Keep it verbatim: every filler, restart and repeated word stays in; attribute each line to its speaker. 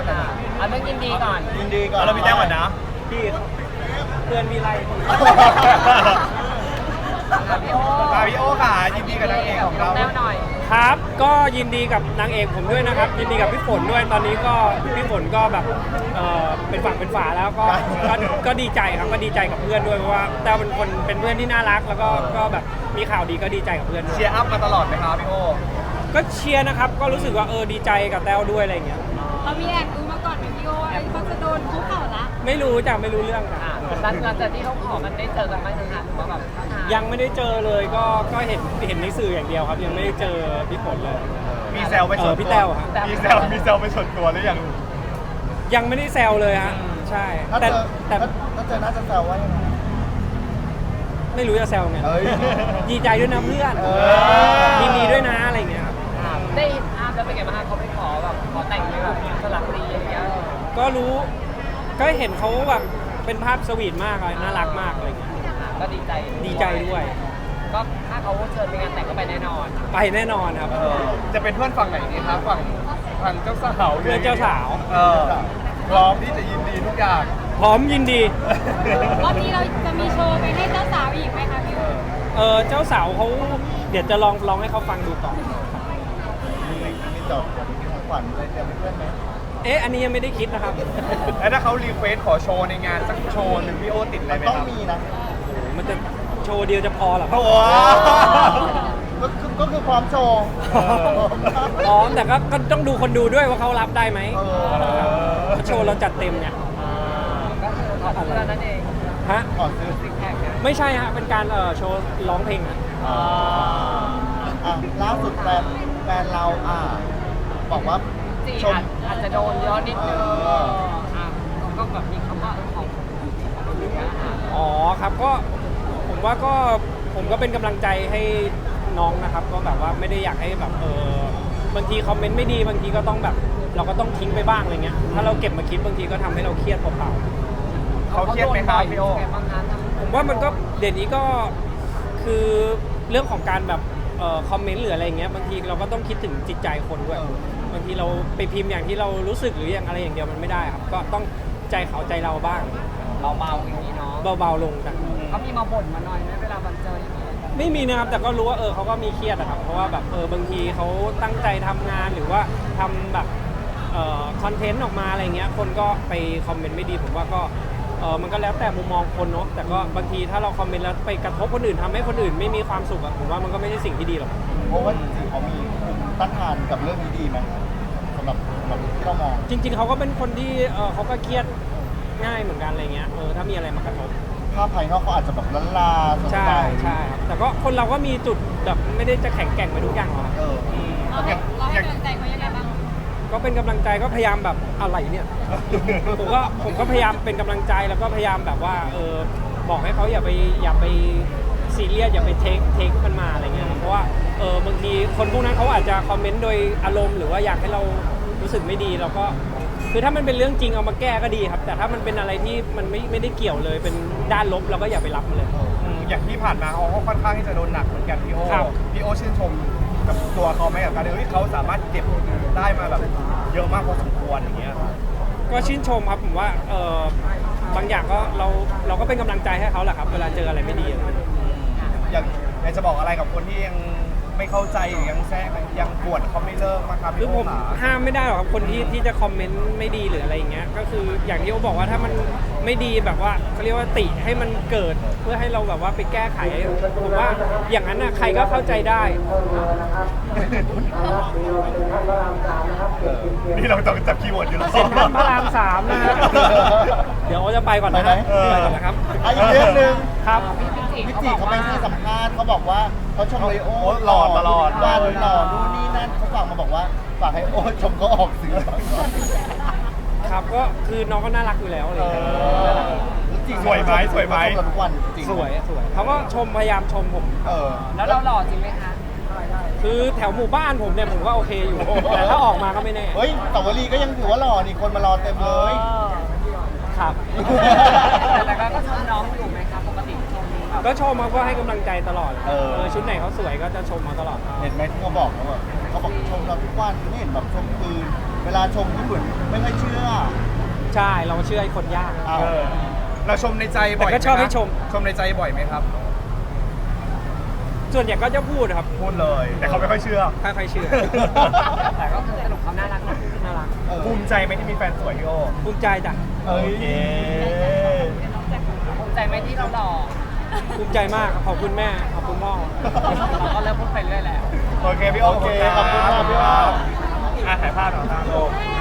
Speaker 1: อันนั้นยินดีก่อน
Speaker 2: ยินดีก่อน
Speaker 3: เราพี่แต้วก่อนนะ
Speaker 2: พี่เพื่อนมีไร
Speaker 3: พี่โอพี่โอค่ะยินดีกับนางเอกของเรา
Speaker 1: แต้วหน่อย
Speaker 4: ครับก็ยินดีกับนางเอกผมด้วยนะครับยินดีกับพี่ฝนด้วยตอนนี้ก็พี่ฝนก็แบบเออเป็นฝั่งเป็นฝาแล้วก็ก็ก็ดีใจครับก็ดีใจกับเพื่อนด้วยเพราะว่าแต้วเป็นคนเป็นเพื่อนที่น่ารักแล้วก็ก็แบบมีข่าวดีก็ดีใจกับเพื่อน
Speaker 3: เชียร์อัพมาตลอดไหมครับพี่โอ
Speaker 4: ก็เชียร์นะครับก็รู้สึกว่าเออดีใจกับแต้วด้วยอะไรอย่างเงี้ย
Speaker 5: เรามีแอบดูมาก่อนไหมพี่โอไอ้เขาจะโดนคุกเข่าละ
Speaker 4: ไม่รู้จ้ะไม่รู้เรื่องค่ะ
Speaker 1: หลังจากที่เขาขอมันได้เจอกันไหมคะหรือว่าแบบ
Speaker 4: ยังไม่ได้เจอเลยก็ก็เห็นเห็นในสื่ออย่างเดียวครับยังไม่ได้เจอพี่ฝนเลย
Speaker 3: มีแซวไปส่วนตัว
Speaker 4: พี่แต้วครับ
Speaker 3: มีแซวมีแซวไปส่วนตัวหรือยัง
Speaker 4: ยังไม่ได้แซวเลยฮะใช่
Speaker 2: แต่แต่ถ้าเจอน่าจะแซวว่ายังไง
Speaker 4: ไม่รู้จะแซวไงดีใจด้วยนะเพื่อนยินดีด้วยนะอะไรอย่างเงี้ยครับ
Speaker 1: ได้เห็นภาพแล้วเป็นไงบ้างเขาไปขอแบบขอแต่งแบบสลับดีอย่างเงี้ย
Speaker 4: ก็รู้ก็เห็นเขาแบบเป็นภาพสวีทมากเลยน่ารักมากอะไรเงี้ย
Speaker 1: ก็ดีใจ
Speaker 4: ดีใจด้วย
Speaker 1: ก็ถ้าเขาเชิญไปงานแต่งก็ไปแน่นอน
Speaker 4: ไปแน่นอนครับ
Speaker 3: จะเป็นเพื่อนฝั่งไหนดีครับฝั่งฝั่งเจ้าสาว
Speaker 4: เพื่อนเจ้าสาว
Speaker 3: เออพร้อมที่จะยินดีทุกอย่าง
Speaker 4: พร้อมยินดี
Speaker 5: รอบนี้เราจะมีโชว์ไปให้เจ้าสาวอีกไหมคะพี่
Speaker 4: เออเจ้าสาวเขาเดี๋ยวจะลองลองให้เขาฟังดูก่อน
Speaker 2: มีจบขวัญอะไรเตรียมเพื่อนไหม
Speaker 4: เอ๊ะอันนี้ยังไม่ได้คิดนะครับ
Speaker 3: แล้วถ้าเขารีเควสขอโชว์ในงานสักโชว์หนึ่งพี่โอติดอะไรไหมครับ
Speaker 2: ต้องมีนะ
Speaker 4: มันจะโชว์เดียวจะพอหรอ
Speaker 3: โอ้
Speaker 2: ก็คือพร้อมโชว์
Speaker 4: พร้อมแต่ก็ต้องดูคนดูด้วยว่าเขารับได้ไหมโชว์เราจัดเต็มเนี่ย
Speaker 1: ก็คือขอซื้อแล้วนั่นเอง
Speaker 4: ฮะ
Speaker 2: ขอซื้อ
Speaker 1: ซิกแพค
Speaker 4: ไม่ใช่ฮะเป็นการเอ่อโชว์ร้องเพลง
Speaker 2: อ่าล่าสุดแฟนแฟนเราอ่าบอกว่า
Speaker 1: ชมอาจจะโดนย้อนนิดนึงก็แบบมีคำว่าของ
Speaker 4: อ๋อครับก็ผมว่าก็ผมก็เป็นกำลังใจให้น้องนะครับก็แบบว่าไม่ได้อยากให้แบบเออบางทีคอมเมนต์ไม่ดีบางทีก็ต้องแบบเราก็ต้องทิ้งไปบ้างอะไรเงี้ยถ้าเราเก็บมาคิดบางทีก็ทำให้เราเครียดเปล่า
Speaker 3: ๆเขาเครียดไหมครับพี่โอ
Speaker 4: ผมว่ามันก็เดี๋ยวนี้ก็คือเรื่องของการแบบเอ่อคอมเมนต์หรืออะไรเงี้ยบางทีเราก็ต้องคิดถึงจิตใจคนด้วยบางทีเราไปพิมพ์อย่างที่เรารู้สึกหรืออย่างอะไรอย่างเดียวมันไม่ได้ครับก็ต้องใจเขาใจเราบ้าง
Speaker 1: เบาๆอย่างนี้เนาะ
Speaker 4: เบาๆลงกัน
Speaker 1: เขามีมาบ่นมาหน่อยไหมเวลาบันเจออย่างนี้
Speaker 4: ไม่มีนะครับแต่ก็รู้ว่าเออเขาก็มีเครียดนะครับเพราะว่าแบบเออบางทีเขาตั้งใจทำงานหรือว่าทำแบบเอ่อคอนเทนต์ออกมาอะไรเงี้ยคนก็ไปคอมเมนต์ไม่ดีผมว่าก็เออมันก็แล้วแต่มุมมองคนเนาะแต่ก็บางทีถ้าเราคอมเมนต์แล้วไปกระทบคนอื่นทำให้คนอื่นไม่มีความสุขอะผมว่ามันก็ไม่ใช่สิ่งที่ดีหรอก
Speaker 2: เพราะว่าจริงๆเขามีต้านทานกับเรื่องนี้ดีไหมสำหรับแบบที่เรามอง
Speaker 4: จริงๆเขาก็เป็นคนที่เออเขาก็เครียดง่ายเหมือนกันอะไรเงี้ยเออถ้ามีอะไรมากระทบ
Speaker 2: ภาพภายนอกเขาอาจจะแบบล้านลา
Speaker 4: ใช่ใช่ครับแต่ก็คนเราก็มีจุดแบบไม่ได้จะแข็งแกร่งไปทุกอย่างหรอก
Speaker 2: เออ
Speaker 5: เราให้เราให้กำลังใจเขายังไงบ้าง
Speaker 4: ก็เป็นกำลังใจก็พยายามแบบอะไรเนี่ยผมก็ผมก็พยายามเป็นกำลังใจแล้วก็พยายามแบบว่าเออบอกให้เขาอย่าไปอย่าไปซีเรียสอย่าไปเทคเทคมันมาอะไรเงี้ยเพราะว่าเออบางทีคนพวกนั้นเขาอาจจะคอมเมนต์โดยอารมณ์หรือว่าอยากให้เรารู้สึกไม่ดีเราก็คือถ้ามันเป็นเรื่องจริงเอามาแก้ก็ดีครับแต่ถ้ามันเป็นอะไรที่มันไม่ไม่ได้เกี่ยวเลยเป็นด้านลบเราก็อย่าไปรับมันเลย
Speaker 3: อย่างที่ผ่านมาเขาค่อนข้างที่จะโดนหนักเหมือนกันพี่โอพี่โอชื่นชมกับตัวเขาไหมกับการที่เขาสามารถเก็บได้มาแบบเยอะมากพอสมควรอย่างเงี้ย
Speaker 4: ก็ชื่นชมครับผมว่าเออบางอย่างก็เราเราก็เป็นกำลังใจให้เขาแหละครับเวลาเจออะไรไม่ดี
Speaker 3: อย่างอยากจะบอกอะไรกับคนที่ยังไม่เข้าใจหรือยังแทรกยังปวดเขาไม่เลิกมาครับ
Speaker 4: คือผมห้ามไม่ได้หรอกครับคนที่ที่จะคอมเมนต์ไม่ดีหรืออะไรอย่างเงี้ยก็คืออย่างที่โอบอกว่าถ้ามันไม่ดีแบบว่าเขาเรียกว่าติให้มันเกิดเพื่อให้เราแบบว่าไปแก้ไขผมว่าอย่างนั้นน่ะใครก็เข้าใจได้
Speaker 3: นี่เราต้องจับคีย์เวิร์ดอยู่แล้ว
Speaker 4: เซ็นทรัลพระรามสามนะฮะเดี๋ยวโอจะไปก่อนนะไปก่อนนะครับ
Speaker 2: อีกเรื่องนึง
Speaker 4: ครับ
Speaker 2: พี่จีเขาไปให้สัมภาษณ์เขาบอกว่าเขาชมเลยโอ้
Speaker 3: หล่อตลอด
Speaker 2: วันหล่อนู่นนี่นั่นเขาฝากมาบอกว่าฝากให้โอ้ชมเขาออกสื่อ
Speaker 4: ครับก็คือน้องก็น่ารักอยู่แล้วเลย
Speaker 3: สวยไหมสวยไหม
Speaker 2: ทุกวันจริง
Speaker 4: สวยสวยเขาก็ชมพยายามชมผม
Speaker 1: แล้วเราหล่อจริงไหมคะ
Speaker 4: คือแถวหมู่บ้านผมเนี่ยผมก็โอเคอยู่แต่ถ้าออกมาก็ไม่แน่
Speaker 2: เฮ้ยสาวรีก็ยังถือว่าหล่อนี่คนมารอเต็มเลย
Speaker 4: ครับ
Speaker 1: แต่ก็ชมน้องอยู่ไหมครับปกติชม
Speaker 4: ก็ชมเขาก็ให้กำลังใจตลอดเออชุดไหนเขาสวยก็จะชมมาตลอด
Speaker 2: เห็นไหมที่เขาบอกเขาแบบเขาบอกชมเราทุกวันไม่เห็นแบบชมคืนเวลาชมญี่ปุ่นไม่ค่อยเชื่อ
Speaker 4: ใช่เราเชื่อไอ้คนยาก
Speaker 2: เอา
Speaker 3: เออเราชมในใจบ่อย
Speaker 4: แต่ก็ชอบให้ชม
Speaker 3: ชมในใจบ่อยไหมครับ
Speaker 4: ส่วนใหญ่ก็จะพูดครับ
Speaker 3: พูดเลย แต่เขาไม่ค่อยเชื่อ
Speaker 4: ถ้าใครเชื่อ
Speaker 1: แต่ก็คือสรุปเขาน่ารักนะ
Speaker 4: น่ารัก
Speaker 3: ภูมิใจไหมที่มีแฟนสวยพี่โอ
Speaker 4: ภูมิใจจ้ะ
Speaker 2: เอ้ย
Speaker 3: โอเค
Speaker 1: ภูมิใจไหมที่เราหล่อ
Speaker 4: ภูมิใจมากครับขอบคุณแม่ขอบคุณพ่อ
Speaker 1: เราก็เริ่มพูดไปเรื่อยแล้ว
Speaker 3: โอเคพี่โอ
Speaker 2: โอเคขอบคุณมากพี่โอ
Speaker 3: อ่ะถ่ายภาพหน่อยครับ